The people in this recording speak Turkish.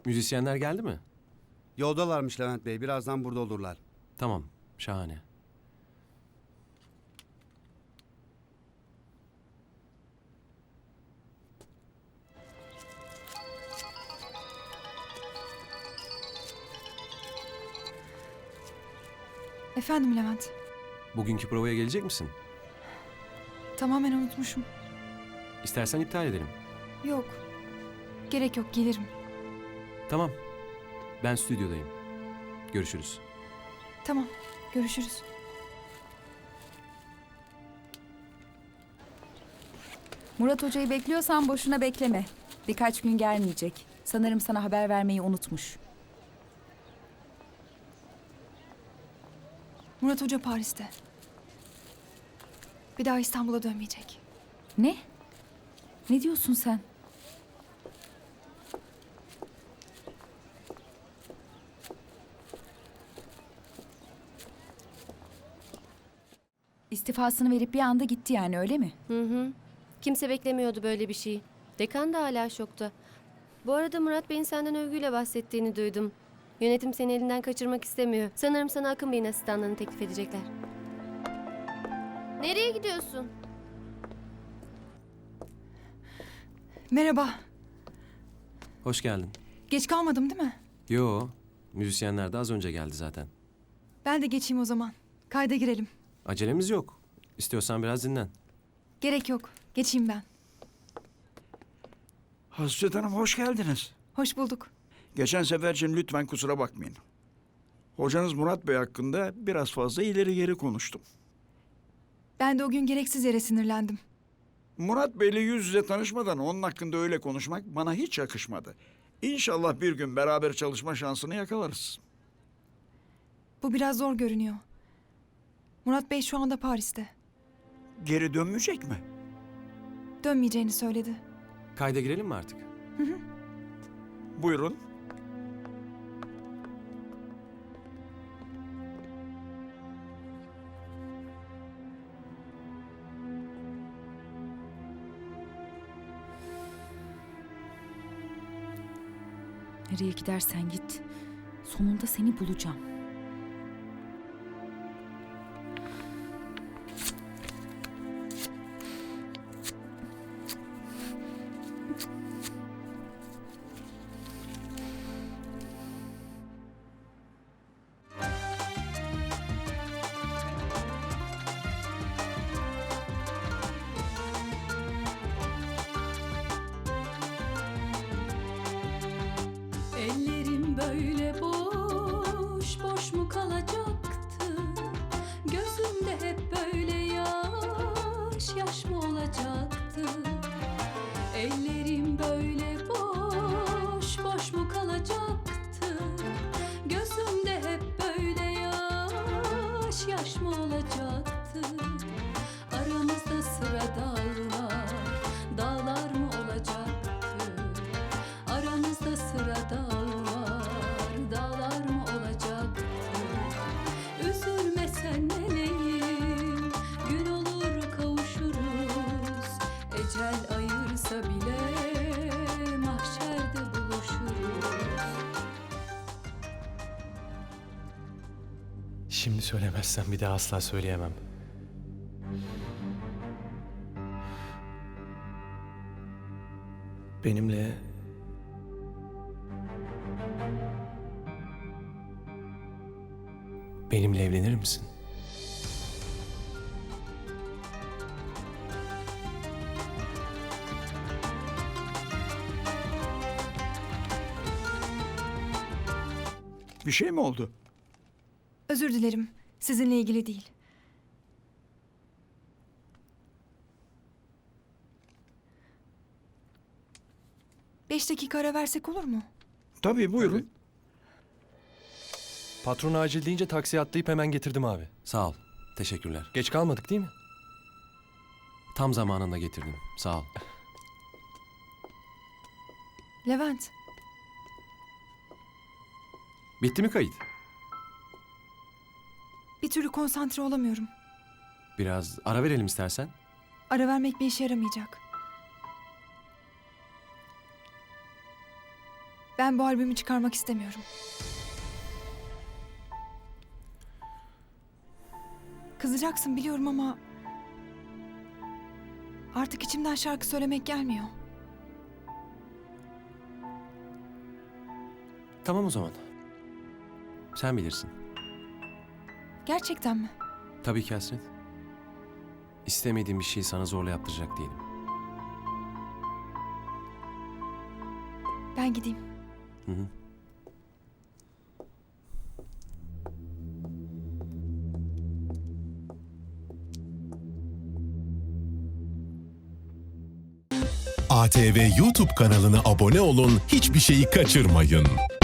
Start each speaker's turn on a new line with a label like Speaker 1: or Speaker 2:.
Speaker 1: Müzisyenler geldi mi?
Speaker 2: Yoldalarmış Levent Bey. Birazdan burada olurlar.
Speaker 1: Tamam, şahane.
Speaker 3: Efendim Levent.
Speaker 1: Bugünkü provaya gelecek misin?
Speaker 3: Tamamen unutmuşum.
Speaker 1: İstersen iptal edelim.
Speaker 3: Yok. Gerek yok, gelirim.
Speaker 1: Tamam, ben stüdyodayım. Görüşürüz.
Speaker 3: Tamam, görüşürüz.
Speaker 4: Murat Hoca'yı bekliyorsan boşuna bekleme. Birkaç gün gelmeyecek. Sanırım sana haber vermeyi unutmuş.
Speaker 3: Murat Hoca Paris'te. Bir daha İstanbul'a dönmeyecek.
Speaker 4: Ne? Ne diyorsun sen? İstifasını verip bir anda gitti yani, öyle mi?
Speaker 5: Hı. Kimse beklemiyordu böyle bir şeyi. Dekan da hala şokta. Bu arada Murat Bey'in senden övgüyle bahsettiğini duydum. Yönetim seni elinden kaçırmak istemiyor. Sanırım sana Akın Bey'in asistanlığını teklif edecekler. Nereye gidiyorsun?
Speaker 3: Merhaba.
Speaker 1: Hoş geldin.
Speaker 3: Geç kalmadım değil mi?
Speaker 1: Yo, müzisyenler de az önce geldi zaten.
Speaker 3: Ben de geçeyim o zaman. Kayda girelim.
Speaker 1: Acelemiz yok. İstiyorsan biraz dinlen.
Speaker 3: Gerek yok. Geçeyim ben.
Speaker 6: Hasret Hanım hoş geldiniz.
Speaker 3: Hoş bulduk.
Speaker 6: Geçen sefer için lütfen kusura bakmayın. Hocanız Murat Bey hakkında biraz fazla ileri geri konuştum.
Speaker 3: Ben de o gün gereksiz yere sinirlendim.
Speaker 6: Murat Bey'le yüz yüze tanışmadan onun hakkında öyle konuşmak bana hiç yakışmadı. İnşallah bir gün beraber çalışma şansını yakalarız.
Speaker 3: Bu biraz zor görünüyor. Murat Bey şu anda Paris'te.
Speaker 6: Geri dönmeyecek mi?
Speaker 3: Dönmeyeceğini söyledi.
Speaker 1: Kayda girelim mi artık?
Speaker 6: Buyurun.
Speaker 4: Nereye gidersen git. Sonunda seni bulacağım.
Speaker 7: Ellerim böyle boş, boş mu kalacaktı? Gözümde hep böyle yaş, yaş mı olacaktı? Ellerim böyle boş, boş mu kalacaktı? Gözümde hep böyle yaş, yaş mı olacaktı? Aramızda sıra dağlar, dağlar mı olacaktı? Aramızda sıra dağlar, dağlar mı olacaktı? Üzülmesen meleğim, gün olur kavuşuruz. Ecel ayırsa bile mahşerde buluşuruz.
Speaker 1: Şimdi söylemezsem bir daha asla söyleyemem. Benimle... Benimle evlenir misin?
Speaker 6: Bir şey mi oldu?
Speaker 3: Özür dilerim. Sizinle ilgili değil. Beş dakika ara versek olur mu?
Speaker 6: Tabii buyurun.
Speaker 8: Tabii. Patron acil deyince taksiye atlayıp hemen getirdim abi.
Speaker 1: Sağ ol. Teşekkürler.
Speaker 8: Geç kalmadık değil mi?
Speaker 1: Tam zamanında getirdim. Sağ ol.
Speaker 3: Levent,
Speaker 1: Bitti mi kayıt?
Speaker 3: bir türlü konsantre olamıyorum.
Speaker 1: Biraz ara verelim istersen.
Speaker 3: Ara vermek bir işe yaramayacak. Ben bu albümü çıkarmak istemiyorum. Kızacaksın biliyorum ama artık içimden şarkı söylemek gelmiyor.
Speaker 1: Tamam o zaman. Sen bilirsin.
Speaker 3: Gerçekten mi?
Speaker 1: Tabii ki Hasret. İstemediğim bir şeyi sana zorla yaptıracak değilim.
Speaker 3: Ben gideyim.
Speaker 1: Hı hı.
Speaker 9: ATV YouTube kanalına abone olun, hiçbir şeyi kaçırmayın.